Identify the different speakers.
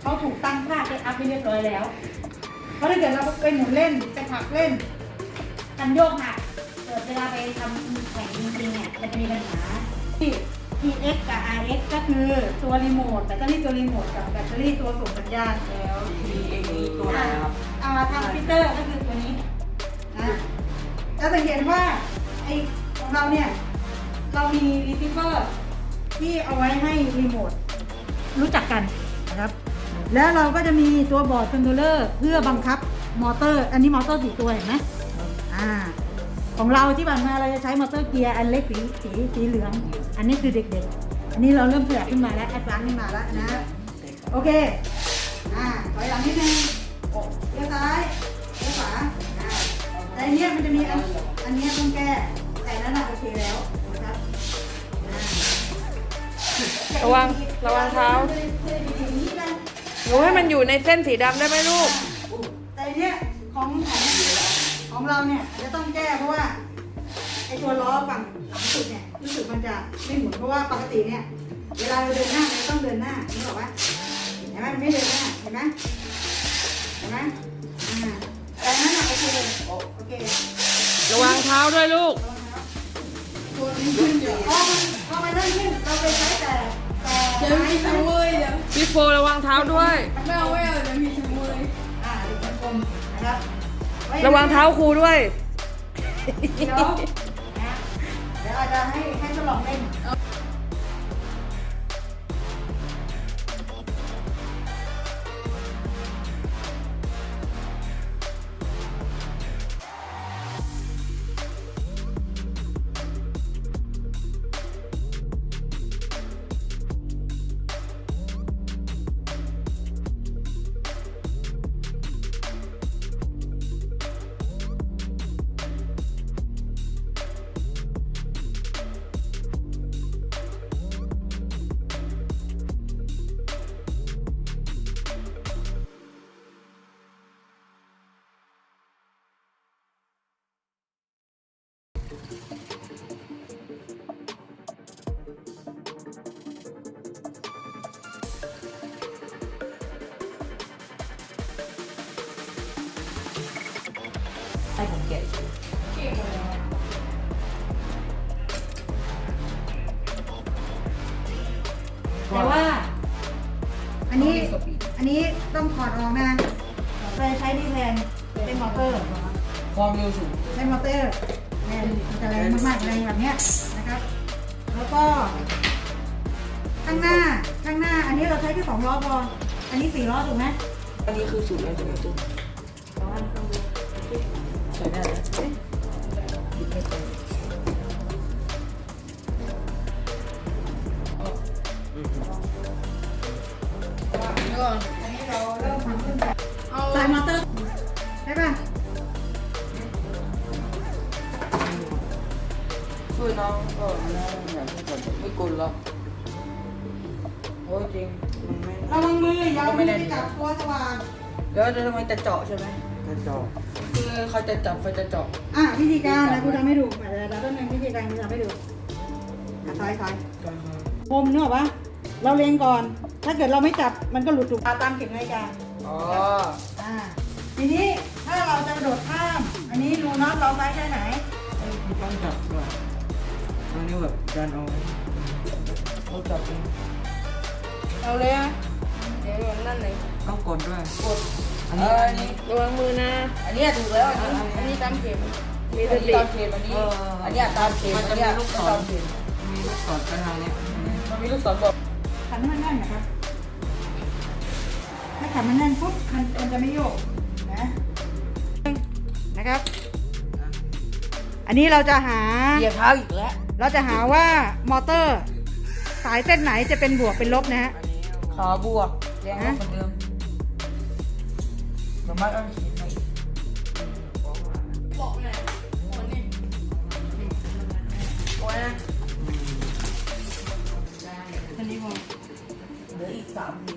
Speaker 1: เขาถูกตั้งค่าเซตอัพให้เรียบร้อยแล้วเพราะถ้าเกิดเราไปหมุนเล่นไปผลักเล่นคันโยกหักเกิดเวลาไปทำแข่งจริงๆเนี่ยมันจะมีปัญหาที่ TX กับ RX ก็คือตัวรีโมทแบตเตอรี่ตัวรีโมทกับแบตเตอรี่ตัวส่งสัญญาณแล้ว
Speaker 2: TX นี่ตัวอะไรครับ
Speaker 1: ทางฟิลเตอร์ก็คือตัวนี้จะสังเกตว่าไอของเราเนี่ยเรามีรีเซิเวอร์ที่เอาไว้ให้รีโมทรู้จักกันนะครับแล้วเราก็จะมีตัวบอร์ดคอนโทรลเลอร์เพื่อบังคับมอเตอร์อันนี้มอเตอร์4ตัวเห็นไหมของเราที่ผ่านมาเราจะใช้มอเตอร์เกียร์อันเล็กสีเหลืองอันนี้คือเด็กๆอันนี้เราเริ่มขยับขึ้นมาแล้วแอดวานซ์ขึ้นมาแล้วนะโอเคถอยหลังนิดนึงเลี้ยวซ้ายเลี้ยวขวาแต่อันนี้มันจะมีอันนี้ต้องแก้แต่นั้นโอเคแล้วนะครับ
Speaker 2: ระวังเท้าหนูให้มันอยู่ในเส้นสีดำได้ไหมลูก
Speaker 1: แต่เนี้ยของเราเนี่ยจะต้องแก้เพราะว่าไอตัวล้อฝั่งหลังสุดเนี่ยรู้สึกมันจะไม่หมุนเพราะว่าปกติเนี่ยเวลาเราเดินหน้ามันต้องเดินหน้านี่บอกว่าเห็นไหมมันไม่เดินหน้าเห็นไหมแต่นั้นโอเค
Speaker 2: ระวังเท้าด้วยลูก
Speaker 1: ตัวนี้ขึ้นเดี๋ยวพอมันเริ่มขึ้นเราไปใช้แต่
Speaker 3: เดี๋ยวมีชะเวยเดี๋ยว
Speaker 2: พี่โฟระวังเท้าด้วย
Speaker 3: ไม่เอาเดี๋ยวมีชะเวย
Speaker 1: หรือเป็นกลมนะครับ
Speaker 2: ระวังเท้าครูด้วย
Speaker 1: เดี๋ยวอาจจะให้ทดลองเล่น
Speaker 2: ให้ผมแกะ
Speaker 1: แต่ว่าอันนี้ต้องถอดออกนะไปใช้ดีแทนเป็นมอเตอร์
Speaker 2: ความเร็วสูง
Speaker 1: ใช้มอเตอร์แรงมันจะแรงมากๆแรงแบบเนี้ยนะครับแล้วก็ข้างหน้าอันนี้เราใช้แค่2 ล้อพออันนี้4 ล้อถูกไหม
Speaker 2: อันนี้คือสูงแล้วใช่ไหมจุ๊บใส่ได้เลยบิดไม่เป็น
Speaker 1: อันนี้เราเริ่มทำขึ้นแบบใส่มอเตอร์ใช่ป่ะ
Speaker 2: ช่วยน้องก็น้องอย่างที่ผมไม่กลหรอกโอ้ยจริงมันไม่
Speaker 1: ระวังมืออย่าเอามือไปจับตัวสว่าน
Speaker 2: แล้วจะทำไมจะเจาะใช่ไหมจะเจาะคือเขาจะจับเขาจะเจาะ
Speaker 1: วิธีการนะคุณทำให้ดูเดี๋ยวต้นนึงวิธีการคุณทำให้ดูซ้ายคมนึกออกปะเราเล็งก่อน ถ้าเกิดเราไม่จับมันก็หลุดถูกตามเข็มนาฬิกา
Speaker 2: อ๋อ
Speaker 1: ทีนี้ถ้าเราจะกระโดดข้าม อันนี้ดูน็อตเราไซส์แค่ไหน
Speaker 2: ต้องจับด้วยตรงนี้แบบดันเอาเขาจับเอง
Speaker 3: เอาเลยอ่ะเดี๋ยวนั่นเลย
Speaker 2: ต้องกดด้วย
Speaker 3: กด
Speaker 2: อันนี้
Speaker 3: ระวังมือนะ
Speaker 2: อันนี้ถูกแล้ว
Speaker 3: อันนี้ตามเข็ม
Speaker 2: มีสติตามเข็มอันนี้อันนี้ตามเข็มมันจะมีลูกศรมีลูกศรกระทางนี้มันมีลูกศรบอก
Speaker 1: ขันให้มันแน่นนะครับ ถ้าขันมันแน่นปุ๊บมันจะไม่โยกนะครับ อันนี้เราจะหา
Speaker 2: เหยียบเท้าอีกแล้ว
Speaker 1: เราจะหาว่ามอเตอร์สายเส้นไหนจะเป็นบวกเป็นลบนะฮะ
Speaker 2: ขาบวกแรงกว่าคนเดิมสามารถเอาขีดมาอีก
Speaker 3: บอกเลยคนนี้
Speaker 2: โอ้ยนะ
Speaker 1: อันนี้พอ
Speaker 2: เหลืออีก3 ที